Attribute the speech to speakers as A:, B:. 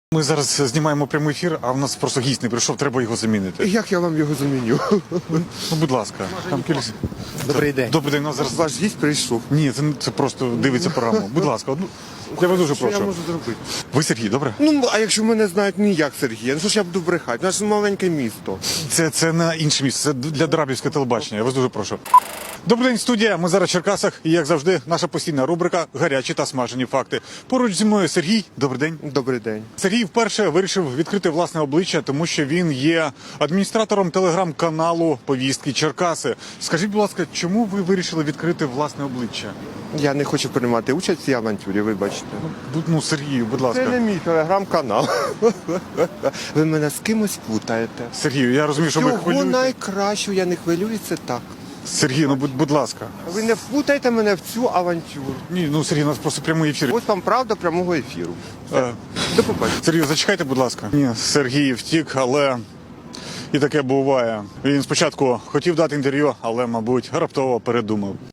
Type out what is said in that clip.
A: Ми зараз знімаємо прямий ефір, а в нас просто гість не прийшов, треба його замінити.
B: Як я вам його заміню?
A: Ну, будь ласка. Там
B: Добрий день.
A: Добрий день, у нас зараз...
B: Ваш гість прийшов.
A: Ні, це просто дивиться програму. Будь ласка, я вас дуже
B: Що я
A: прошу.
B: можу зробити?
A: Ви Сергій, добре?
B: Ну, а якщо мене знають ніяк Сергія, ну що ж я буду брехати? У нас ж маленьке місто.
A: Це на інше місце, це для Драбівського телебачення, я вас дуже прошу. Добрий день, студія. Ми зараз в Черкасах і, як завжди, наша постійна рубрика «Гарячі та смажені факти». Поруч зі мною Сергій. Добрий день.
B: Добрий день.
A: Сергій вперше вирішив відкрити власне обличчя, тому що він є адміністратором телеграм-каналу «Повістки Черкаси». Скажіть, будь ласка, чому ви вирішили відкрити власне обличчя?
B: Я не хочу приймати участь в цій авантюрі, вибачте.
A: Ну, Сергію, будь ласка.
B: Це не мій телеграм-канал. Ви мене з кимось путаєте.
A: Сергію, я розумію, що ви
B: Чого
A: хвилюєте.
B: найкращого, я не хвилююсь, це так.
A: Сергій, ну будь ласка.
B: Ви не впутайте мене в цю авантюру.
A: Ні, ну Сергій, у нас просто прямий ефір.
B: Ось вам правда прямого ефіру.
A: Е,
B: До побачення.
A: Сергію, зачекайте, будь ласка. Ні, Сергій втік, але і таке буває. Він спочатку хотів дати інтерв'ю, але, мабуть, раптово передумав.